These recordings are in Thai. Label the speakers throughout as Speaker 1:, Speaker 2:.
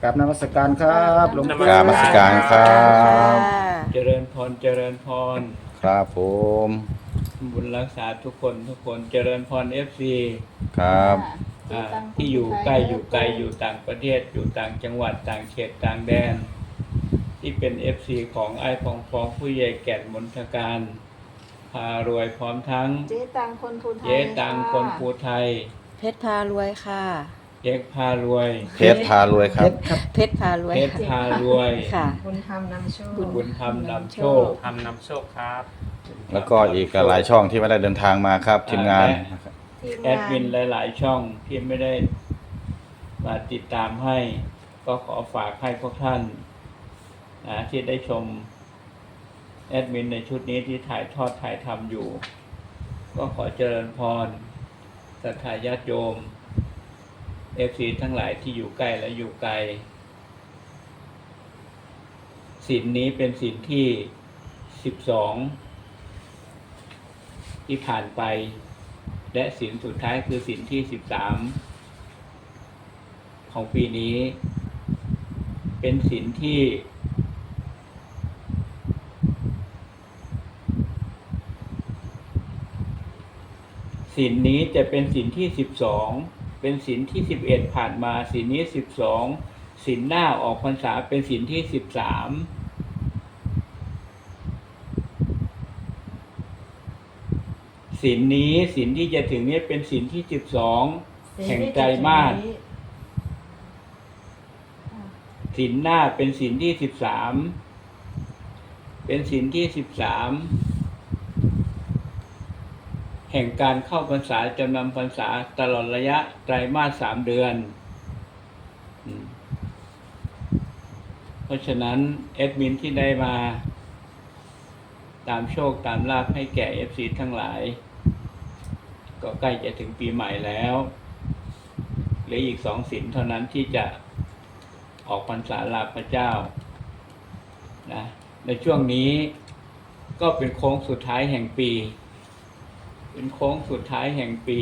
Speaker 1: กับนมัสการครับหลวงปู่
Speaker 2: กราบนมัสการครับ
Speaker 3: เจริญพรเจริญพร
Speaker 2: ครับผม
Speaker 3: บุญรักษาทุกคนเจริญพรFC
Speaker 2: ครับ
Speaker 3: ที่อยู่ใกล้อยู่ไกลอยู่ต่างประเทศอยู่ต่างจังหวัดต่างเขตต่างแดนที่เป็น FC ของไอ้พองผู้ใหญ่แก่นมนทการพารวยพร้อมทั้ง
Speaker 4: เจ๊ตังคนภูไทย
Speaker 3: เจ๊ตังคนภูไทย
Speaker 5: เพชรพารวยค่ะ
Speaker 3: เจ๊กพารวย
Speaker 2: เพชรพารวยครับ
Speaker 5: เพชรพารวย
Speaker 3: เพชรพารวย
Speaker 5: ค่ะ
Speaker 4: บุญธรรมนำโชค
Speaker 3: บุญธรรมนำโชค
Speaker 6: ทำนำโชคครับ
Speaker 2: แล้วก็อีกหลายช่องที่ไม่ได้เดินทางมาครับทีมงาน
Speaker 4: ทีม
Speaker 3: แอดมินหลายๆช่องที่ไม่ได้มาติดตามให้ ก็ขอฝากให้พวกท่านที่ได้ชมแอดมินในชุดนี้ที่ถ่ายทอดถ่ายทำอยู่ ก็ขอเจริญพรศรัทธาญาติโยมFC ทั้งหลายที่อยู่ใกล้และอยู่ไกลศีลนี้เป็นศีลที่12ที่ผ่านไปและศีลสุดท้ายคือศีลที่13ของปีนี้เป็นศีลที่ศีลนี้จะเป็นศีลที่12เป็นศีลที่11ผ่านมาศีลนี้12ศีลหน้าออกพรรษาเป็นศีลที่13ศีลนี้ศีลที่จะถึงนี้เป็นศีลที่12แห่งไตรมาสศีลหน้าเป็นศีลที่13เป็นศีลที่13แห่งการเข้าพรรษาจำนำพรรษาตลอดระยะไตรมาส3เดือนเพราะฉะนั้นแอดมินที่ได้มาตามโชคตามลาภให้แก่ FC ทั้งหลายก็ใกล้จะถึงปีใหม่แล้วเหลืออีก2ศีลเท่านั้นที่จะออกพรรษาลาพระเจ้านะในช่วงนี้ก็เป็นโค้งสุดท้ายแห่งปีเป็นโค้งสุดท้ายแห่งปี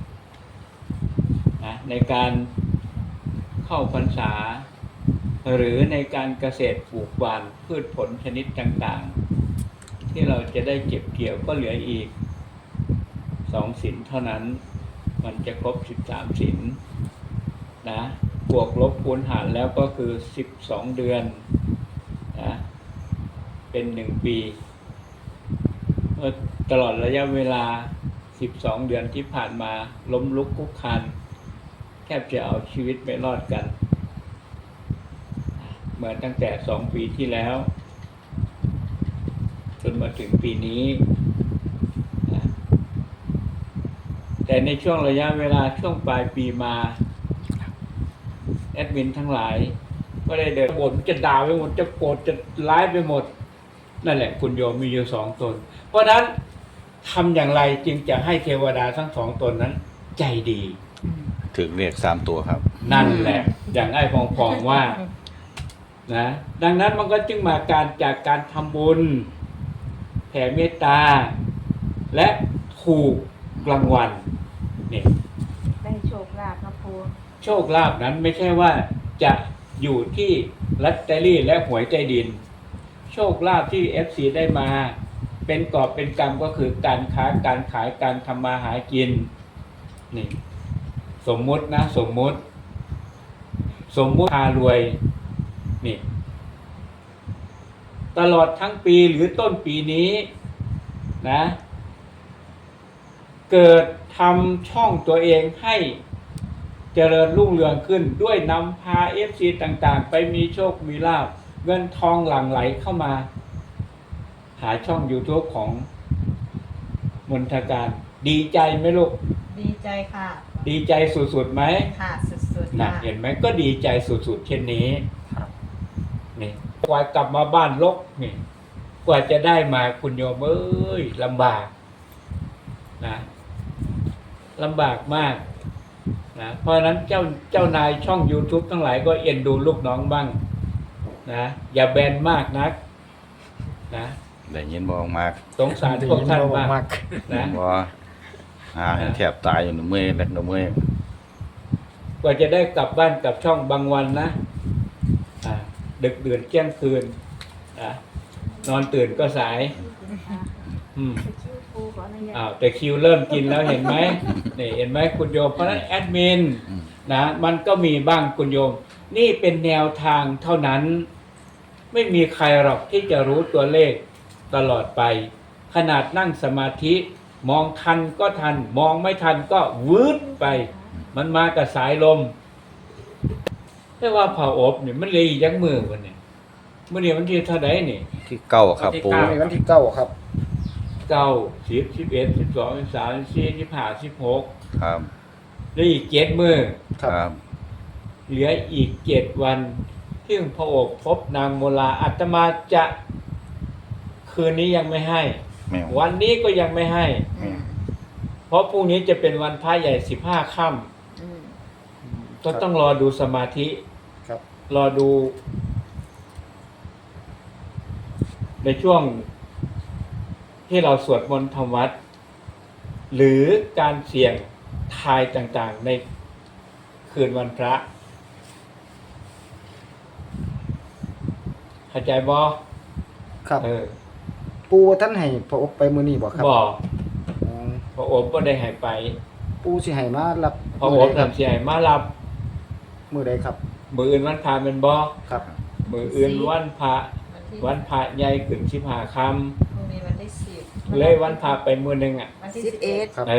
Speaker 3: นะในการเข้าพรรษาหรือในการเกษตรปลูกหว่านพืชผลชนิดต่างๆที่เราจะได้เก็บเกี่ยวก็เหลืออีก2ศีลเท่านั้นมันจะครบ13ศีลนะบวกลบคูณหารแล้วก็คือ12เดือนนะเป็น1ปีเมื่อตลอดระยะเวลา12เดือนที่ผ่านมาล้มลุกคลุกคลานแทบจะเอาชีวิตไม่รอดกันเหมือนตั้งแต่2ปีที่แล้วจนมาถึงปีนี้แต่ในช่วงระยะเวลาช่วงปลายปีมาแอดมินทั้งหลายก็ได้เดินบ่นจะด่าไปหมดจะโกรธจะร้ายไปหมดนั่นแหละคุณโยมมีอยู่2ตนเพราะนั้นทำอย่างไรจึงจะให้เทวดาทั้ง2ตนนั้นใจดี
Speaker 2: ถึงเรียก3ตัวครับ
Speaker 3: นั่นแหละอย่างไอ้พองว่านะดังนั้นมันก็จึงมาจากการทำบุญแผ่เมตตาและถูกรางวัลนี่
Speaker 4: ได้โชคลาภนะครู
Speaker 3: โชคลาภนั้นไม่ใช่ว่าจะอยู่ที่ลอตเตอรี่และหวยใต้ดินโชคลาภที่ FC ได้มาเป็นกอบเป็นกรรมก็คือการค้าการขายการทำมาหากินนี่สมมุตินะสมมุติพารวยนี่ตลอดทั้งปีหรือต้นปีนี้นะเกิดทำช่องตัวเองให้เจริญรุ่งเรืองขึ้นด้วยนำพา FC ต่างๆไปมีโชคมีลาภเงินทองหลั่งไหลเข้ามาหาช่อง YouTube ของมนทการดีใจไหมลูก
Speaker 4: ดีใจค่ะ
Speaker 3: ดีใจสุดๆไหม
Speaker 4: ค่ะสุดๆ
Speaker 3: นะ
Speaker 4: ค่ะ
Speaker 3: เห็นไหมก็ดีใจสุดๆเช่นนี้
Speaker 6: ครับ
Speaker 3: นี่กว่ากลับมาบ้านรกนี่กว่าจะได้มาคุณโยมเอ้ยลำบากนะลำบากมากนะเพราะฉะนั้นเจ้านายช่อง YouTube ทั้งหลายก็เอ็นดูลูกน้องบ้างนะอย่าแบนมากนักนะ
Speaker 2: ได้ยินบอกมาก
Speaker 3: สงสารพวกท่านบ้างนะ
Speaker 2: ว่าแทบตายอยู่หนึ่งเมื่อยเล็กหนึ่งเมื่อย
Speaker 3: กว่าจะได้กลับบ้านกลับช่องบางวันนะดึกดื่นเที่ยงคืนอ่ะนอนตื่นก็สาย อืม
Speaker 4: ชื่อปูขออนุญาต
Speaker 3: แต่คิวเริ่มกินแล้วเห็นไหม นี่เห็นไหมคุณโยมเพราะฉะนั้นแอดมินนะมันก็มีบ้างคุณโยม นี่เป็นแนวทางเท่านั้น ไม่มีใครหรอกที่จะรู้ตัวเลขตลอดไป ขนาดนั่งสมาธิ มองทันก็ทัน มองไม่ทันก็วืดไป มันมากับสายลมแต่ว่าเผาอบเนี่ยมันเลยยักมือวันนี้เมื่อนี้วันที่เท่าไหร่นี่
Speaker 2: ที่เก้าครับปู
Speaker 1: ในวันที่เก้าครับ
Speaker 3: 9 10 11 12 13 14 15 16
Speaker 2: ครับ
Speaker 3: แล้วอีก7มื้อ
Speaker 2: ครับ
Speaker 3: เหลืออีก7วันที่พระอบพบนางโมลาอาตมาจะคืนนี้ยังไม่ให้
Speaker 2: แมว
Speaker 3: วันนี้ก็ยังไม่ให้
Speaker 2: แมว
Speaker 3: เพราะพรุ่งนี้จะเป็นวันพระใหญ่15ค่ำก็ต้องรอดูสมาธิ
Speaker 1: ครับ
Speaker 3: รอดูในช่วงที่เราสวดมนต์ทำวัด หรือการเสี่ยงทายต่างๆในคืนวันพระเข้าใจบ่
Speaker 1: ครับ
Speaker 3: เออ
Speaker 1: ปูท่านให้พระอบไปมื้อนี้บ่ครับ
Speaker 3: บอก
Speaker 1: อืม
Speaker 3: พระอบก็ได้ให้ไป
Speaker 1: ปูสิให้มารับ
Speaker 3: พระอบ
Speaker 1: ครั
Speaker 3: ทำเสียให้มารับ
Speaker 1: มื้อใดครับ
Speaker 3: มืออื่นวันพระเป็นบ่
Speaker 1: ครับ
Speaker 3: มืออื่นวันพระ
Speaker 4: ที่
Speaker 3: วันพระใหญ่ขึ้น15ค่
Speaker 4: พรุ่งนี้วันที่10
Speaker 3: ำเลยวันพระไปมื้อหนึงอ่ะ
Speaker 4: วันที่
Speaker 5: 11
Speaker 1: ครับ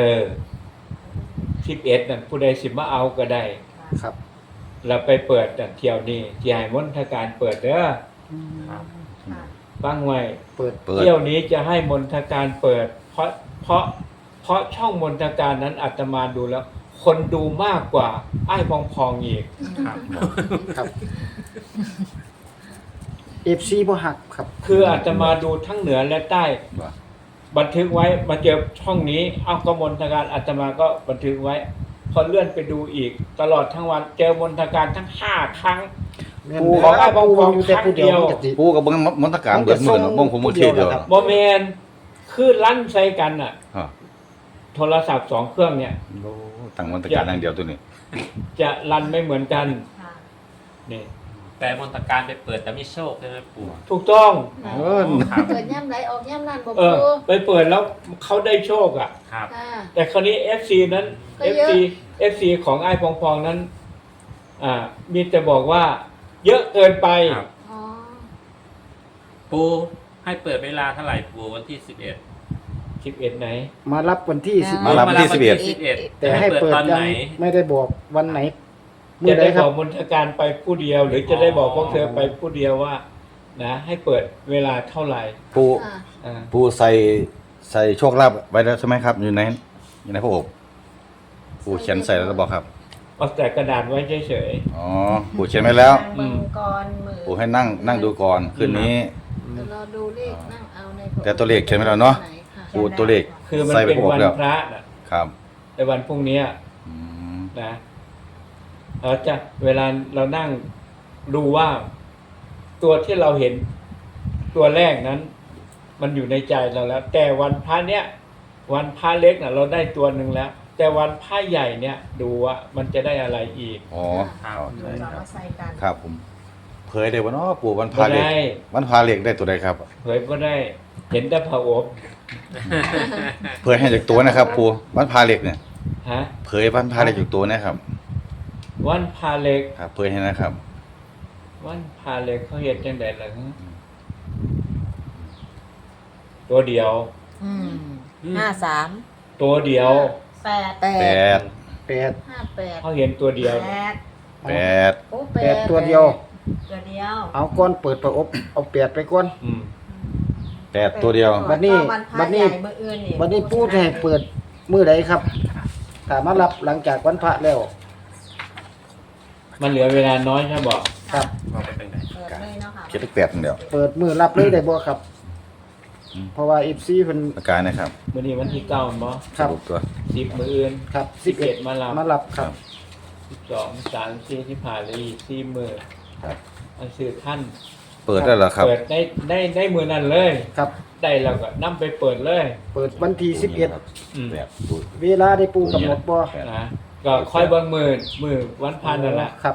Speaker 3: 11นั่นผู้ใดสิมาเอาก็ได้
Speaker 1: ครับ
Speaker 3: เราไปเปิดนั่นเที่ยวนี้ที่ให้มนทการเปิดเด้อ
Speaker 4: ค่ะ
Speaker 3: ฟังไว้
Speaker 1: เปิด
Speaker 2: เปิด
Speaker 3: เที่ยวนี้จะให้มนทการเปิด เพราะช่องมนทการนั้นอาตมาดูแล้ว คนดูมากกว่าไอ้ายพองๆอีก
Speaker 1: ครับ FC บ่ฮักครับ
Speaker 3: คืออาตมาดูทั้งเหนือและใต้
Speaker 2: ว่า
Speaker 3: บันทึกไว้มาเจอช่องนี้เอาก็มนทการอาตมาก็บันทึกไว้ พอเลื่อนไปดูอีก ตลอดทั้งวันเจอมนทการทั้ง5ครั้ง
Speaker 1: แม่น
Speaker 3: ปู
Speaker 1: ขอ
Speaker 3: ขอ
Speaker 1: ปู
Speaker 3: ขอ
Speaker 1: อยู่แต่ผู้เดียว
Speaker 3: ครั้งเดียว
Speaker 1: มันจะสิ
Speaker 2: ปูกับเบิ้งมนตการเบิดมือเนาะบ้งผมมือเทียเดียว
Speaker 1: ครับ
Speaker 3: บอแมนคือลั่นใส่กันอ่ะ
Speaker 2: อ่ะ
Speaker 3: โทรศัพท์2เครื่องเนี่ย
Speaker 2: โอ้ตั้งมนตการอย่างเดียวตัวนี้
Speaker 3: จะรันไม่เหมือนกัน
Speaker 4: ค่ะ
Speaker 3: นี่
Speaker 6: แต่มนตการไปเปิดแต่มีโชคใช่ไหมปู่
Speaker 3: ถูกต้อง
Speaker 2: เออ
Speaker 4: เปิดย่ำไหลออกย่ำนั่นบ่
Speaker 3: เออ
Speaker 4: ปู
Speaker 3: ไปเปิดแล้วเขาได้โชคอ่ะ
Speaker 6: ครับ
Speaker 4: ค่ะ
Speaker 3: แต่คราวนี้ FC นั้น
Speaker 4: ก็เยอะ
Speaker 3: FC ของไอ้พองๆนั้น มีแต่บอกว่า เยอะเกินไป
Speaker 6: ครับ
Speaker 4: อ๋อ
Speaker 6: ปูให้เปิดเวลาเท่าไหร่ปูวันที่
Speaker 3: 11ไหน
Speaker 1: มารับวันที่
Speaker 5: อ่า
Speaker 1: 10
Speaker 2: มารับวันที่
Speaker 6: 11
Speaker 1: แต่ให้เปิด
Speaker 6: ตอน
Speaker 1: ยั
Speaker 6: ไหน
Speaker 1: งไม่ได้บอกวันไหนมื้
Speaker 3: จะ
Speaker 1: อใด
Speaker 3: ได้
Speaker 1: ครับ
Speaker 3: อบ กมนทการไปผู้เดียว หรือจะได้บอกพวกเธอไปผู้เดียวว่า นะให้เปิดเวลาเท่าไหร่
Speaker 2: ปู
Speaker 4: ค่ะ
Speaker 3: อ่า
Speaker 2: ปูใส่โชคลาภไว้แล้วใช่ไหมครับ อยู่ในพระอบปูเขียนใส่แล้วหรือเปล่าครับ
Speaker 3: เอาแต่กระดาษไว้เฉย
Speaker 2: อ๋อปูเขียนไว้แล้ว
Speaker 4: นั่งเบิ่งก่อนมือ
Speaker 2: ปูให้นั่งดูก่อนคืนนี้
Speaker 4: จะรอดูเลขนั่งเอาใน
Speaker 2: แต่ตัวเลขเขียนไว้แล้วเนาะ
Speaker 4: ไหค่
Speaker 2: ปูตัวเลข
Speaker 3: ๆคือมัน
Speaker 2: ใส่ไป
Speaker 3: เป็น
Speaker 2: พวก
Speaker 3: วัน
Speaker 2: แล้ว
Speaker 3: พระน่ะ
Speaker 2: ครับ
Speaker 3: แต่วันพรุ่งนี้
Speaker 2: อืม
Speaker 3: นะเราจะเวลาเรานั่งดูว่า ตัวที่เราเห็นตัวแรกนั้น มันอยู่ในใจเราแล้ว แต่วันพระเนี้ยวันพระเล็กน่ะ เราได้ตัวหนึ่งแล้ว แต่วันพระใหญ่เนี่ย ดูว่ามันจะได้อะไรอีก
Speaker 2: อ๋อ
Speaker 6: ครับ
Speaker 2: เข้าใจ
Speaker 4: เรา
Speaker 2: ครั
Speaker 4: มา
Speaker 2: บ
Speaker 4: ใส่กัน
Speaker 2: ครับผมเผยได้บ่เนาะปู่วันพา
Speaker 3: ไม่
Speaker 2: เหล็ก
Speaker 3: ได้
Speaker 2: วันพาเหล็กได้ตัวใดครับ
Speaker 3: เผยก็ได้ เห็นแต่พระอบ
Speaker 2: เผยให้จากตัวนะครับปู่วันพาเหล็กเนี่ย
Speaker 3: ฮะ
Speaker 2: เผยวันพาเหล็กจากตัวนะครับ
Speaker 3: วันพาเล็ก
Speaker 2: ครับเผยให้นะครับ
Speaker 3: วันพาเล็กเขาเห็นจังไดล่ะฮะตัวเดียว
Speaker 5: 53
Speaker 3: ตัวเดียว
Speaker 2: แป
Speaker 5: 8
Speaker 2: ด
Speaker 1: 8
Speaker 4: 58
Speaker 3: เขาเห็นตัวเดียว
Speaker 2: แปด
Speaker 4: โอ้
Speaker 1: 8ตัวเดียว
Speaker 4: ตัวเดียว
Speaker 1: เอาก่อนเปิดพระอบเอา8ไปก่อน
Speaker 3: อืม
Speaker 2: แปดตัวเดียว
Speaker 1: บัดนี้
Speaker 4: วันพระ
Speaker 1: บัดนี้
Speaker 4: ใหญ่มื้ออื่นนี่
Speaker 1: วันนี้ปูจะให้เปิดมื้อใดครับถ้ามารับหลังจากวันพระแล้ว
Speaker 3: มันเหลือเวลาน้อยใช่บอก
Speaker 1: ครับ
Speaker 6: ว่าไปเป็นไง
Speaker 4: เปิดเลยเนาะค่ะ
Speaker 2: เขียนเลขแปดอย่างเดียว
Speaker 1: เปิดมื้อรับเลยได้บ่ครับ
Speaker 2: อืม
Speaker 1: เพราะว่า FC เพิ่น
Speaker 2: ประกาศนะครับ
Speaker 3: วันนี้วันที่เก้าบ่
Speaker 1: ครับ
Speaker 2: สปตัว
Speaker 3: 10 มื้ออื่น
Speaker 1: ครับ
Speaker 3: 11มารับ
Speaker 1: มารับครับ
Speaker 3: 12 3 4ที่ผ่านเลยอีก4มื้อ
Speaker 2: ครับ
Speaker 3: อันสื่อท่าน
Speaker 2: เปิดได้แล้วครับ
Speaker 3: เปิดได้มื้อนั้นเลย
Speaker 1: ครับ
Speaker 3: ได้แล้วก็นํไปเปิดเลย
Speaker 1: เปิดวันที่
Speaker 3: อืม
Speaker 2: แบบดู
Speaker 1: 11เวลาได้ปูกำหนดบ่
Speaker 3: นะก็ค่อยเบิ่งมื้อวันพันนั่นแหละ
Speaker 1: ครับ
Speaker 3: พ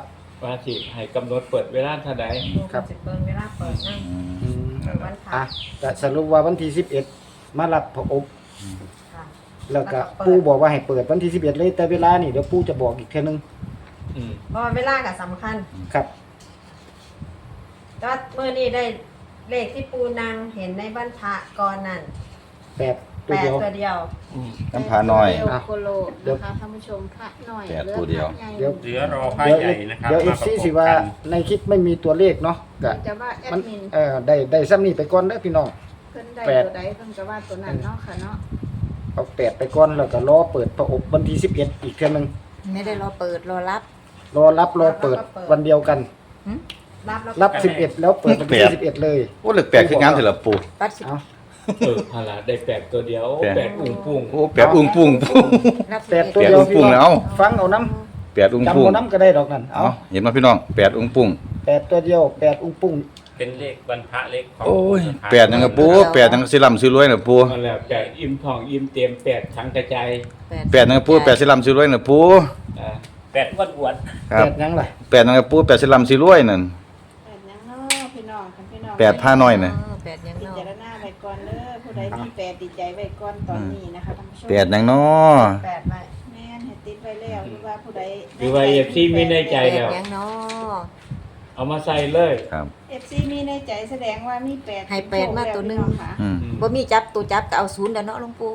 Speaker 3: ว่าสิให้กำหนดเปิดเวลาเท่าใด
Speaker 4: ดูกันสิเบิ่งเวลาเปิดนั่ง
Speaker 1: อืม
Speaker 2: นั่นแห
Speaker 4: วั
Speaker 2: ละ
Speaker 4: นพระ
Speaker 1: อ่ะก็สรุปว่าวันที่11มารับพระอบ
Speaker 4: ค่ะ
Speaker 1: แล้วก็ปู่บอกว่าให้เปิดวันที่11เลยแต่เวลานี่เดี๋ยวปู่จะบอกอีกเทื่อนึง
Speaker 3: อืม
Speaker 4: เพราะว่าเวลาก็สำคัญ
Speaker 1: ครับ
Speaker 4: ก็เมื่อนี้ได้เลขที่ปูนางเห็นในบ้านพระก่อนนั่น
Speaker 1: 8 ตัว
Speaker 4: 8
Speaker 1: เดียว
Speaker 4: ตัวเดียว
Speaker 3: อืม
Speaker 2: น้ำพาน้อย
Speaker 4: เดีวโคโลนะคะท่านผู้ชมพระหน่อย
Speaker 2: แปดตัวเดียว
Speaker 1: เดี๋ยว
Speaker 6: เหลือรอผ้าใหญ่นะครับ
Speaker 1: เดี๋ยว
Speaker 6: มาประ
Speaker 1: FC
Speaker 6: กบ
Speaker 1: สิว่า
Speaker 6: กัน
Speaker 1: ในคลิปไม่มีตัวเลขเนาะก็
Speaker 4: จะว่าแอ
Speaker 1: มัน
Speaker 4: ดมิน
Speaker 1: ได้ซ้ำนี้ไปก่อนเด้อพี่น้อง
Speaker 4: เพิ่นได้
Speaker 1: แปด
Speaker 4: ตัวใดเพิ่นก็ว่าตัวนั้นเนาะค่ะเนาะ
Speaker 1: เอา8ไปก่อนแล้วก็รอเปิดพระอบวันที่11อีกเทื่อนึง
Speaker 5: ไม่ได้รอเปิดรอรับ
Speaker 1: รอรับรอเปิดวันเดียวกัน
Speaker 4: รับแล้ว
Speaker 1: รับ11แล้วเปิดวันที่11เลย
Speaker 2: โอ้เหลือแปลกคืองานเถอะล่ะปู่
Speaker 5: ปัดสิ
Speaker 1: เอา
Speaker 3: พาละได้8ตัวเดียว
Speaker 2: แปด
Speaker 3: 8อุ้งปุ้ง
Speaker 2: โอ้แปดอุ้งปุ้ง
Speaker 5: รับ
Speaker 1: 8ตัว
Speaker 2: แปด
Speaker 1: เดียว
Speaker 2: อุ้ง
Speaker 1: พี่
Speaker 2: ปุ้ง
Speaker 1: น้
Speaker 2: เอา
Speaker 1: องฟังเอาน้
Speaker 2: แปดอุ้ง
Speaker 1: ำจำ
Speaker 2: ปุ้ง
Speaker 1: เอาน้ำก็ได้ดอกนั่นเอา
Speaker 2: เอาเห็นไหมพี่น้องแปดอุ้งปุ้ง
Speaker 1: 8ตัวเดียว8อุ้งปุ้ง
Speaker 6: เป็นเลขวันพระเลขของ
Speaker 2: โอ้ย
Speaker 6: วันพระ
Speaker 2: แปดยังกับปู่แปดยังกับสิลำซื้อรวยน่ะปู่
Speaker 3: นั่นแหละ8อิ่มทองอิ่มเต็ม8ทั้งกระจาย
Speaker 2: แปดยังกับปู่แปดสิลำซื้อรวยน่ะปู่
Speaker 3: อ่า
Speaker 6: แปดอ้วน
Speaker 2: ครับ
Speaker 1: 8ยังล่ะ
Speaker 2: แปดยังกับปู่แปดสิลำซื้อรวยนั่น
Speaker 7: แปดยังเนาะพี่น้องคันพี่น้อง
Speaker 2: แปดผ้าน้อยน่ะ
Speaker 5: แปดยัง
Speaker 7: พิ
Speaker 5: เนาะ
Speaker 7: จารณาไว้ก่อนเด้อผู้ใดมีแปดดีใจไว้ก่อนตอนนี้นะคะท่านผู้ชม
Speaker 2: แปดยังน้อ
Speaker 4: 8ไว้
Speaker 7: แม่นให้ติดไว้แล้วหรือว่าผู้ใด
Speaker 3: หรือว่า FC มีในใจ
Speaker 5: แปด
Speaker 3: แล้ว
Speaker 5: ยังเนาะ
Speaker 3: เอามาใส่เลย
Speaker 2: ครับ
Speaker 7: FC มีในใจแสดงว่ามีแปด
Speaker 5: ให้แปดมาตัวหนึ่ง
Speaker 7: พี่องค่ะ
Speaker 2: อืม
Speaker 5: บ่มีจับตัวจับก็เอาศูนย์แล้วเนาะหลวงปู่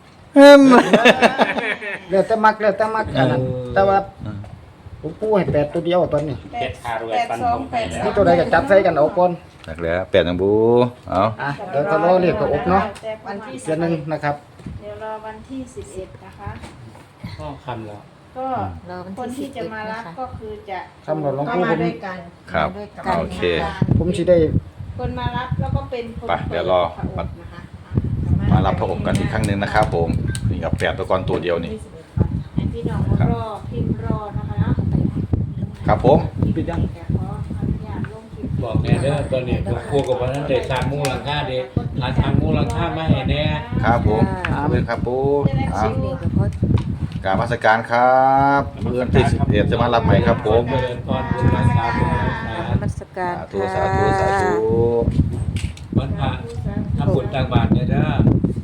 Speaker 1: แล้วแต่มักอันนั้นแต่ว่าผมปู่ให้8ตัวเดียวตอนนี้
Speaker 6: ๆเพชรพารวยฟันธงไปแล้ว
Speaker 1: มีตัวใดก็จับใส่กันเอาก่อน
Speaker 2: นักแล้วแปดยังบูเอา
Speaker 1: อ่ะเดี๋ยวก็รอเรียกพระอบเนาะ
Speaker 7: แต่วันที่
Speaker 1: เดือนหนึงนะครับ
Speaker 7: เดี๋ยวรอวันที่11นะคะ
Speaker 3: ก็คำแล้ว
Speaker 7: ก็
Speaker 5: รอวัน
Speaker 7: คน
Speaker 5: ที่
Speaker 7: ที่จะมารับ
Speaker 5: 11นะคะ
Speaker 7: ก็คือจะ
Speaker 1: คำหลวง
Speaker 4: ก็
Speaker 1: ปู่
Speaker 4: มา
Speaker 1: ผม
Speaker 4: ด้วยกัน
Speaker 2: ครับ
Speaker 5: มาด้วยกัน
Speaker 2: โอเค
Speaker 1: ผมสิได้
Speaker 7: คนมารับแล้วก็เป็นคน
Speaker 2: ไปเดี๋ยวรอ
Speaker 7: พะอบนะคะ
Speaker 2: มารับพระอบกันอีกครั้งหนึ่งนะครับผมนี่กับแปดตัวกรตัวเดียวนี่
Speaker 7: ให้พี่น้องรอพิมพ์รอนะคะเนาะ
Speaker 2: ครับผม
Speaker 1: ปิดยัง
Speaker 7: แต่ขออนุญาตลงคลิป
Speaker 3: บอกแน่เด้อตอนนี้ผมพูดกับว่าท่านได้สร้างมูลค่าเด้หาทางมูลค่ามาให้แน่
Speaker 2: ครับผมขอบคุณครับปูเอา
Speaker 5: สิ่งนี้ก็พอก
Speaker 2: รารมาสการครับเมื่อวันที่11จะมารับใหม่ครับผม
Speaker 3: เจริญพรบุญรักษาบุญรักษา
Speaker 5: นมัสการ
Speaker 2: สาธุ
Speaker 5: ค่ะ
Speaker 2: สาธุ
Speaker 3: วันพระทำบุญตักบาตรเนี่ยเด้อ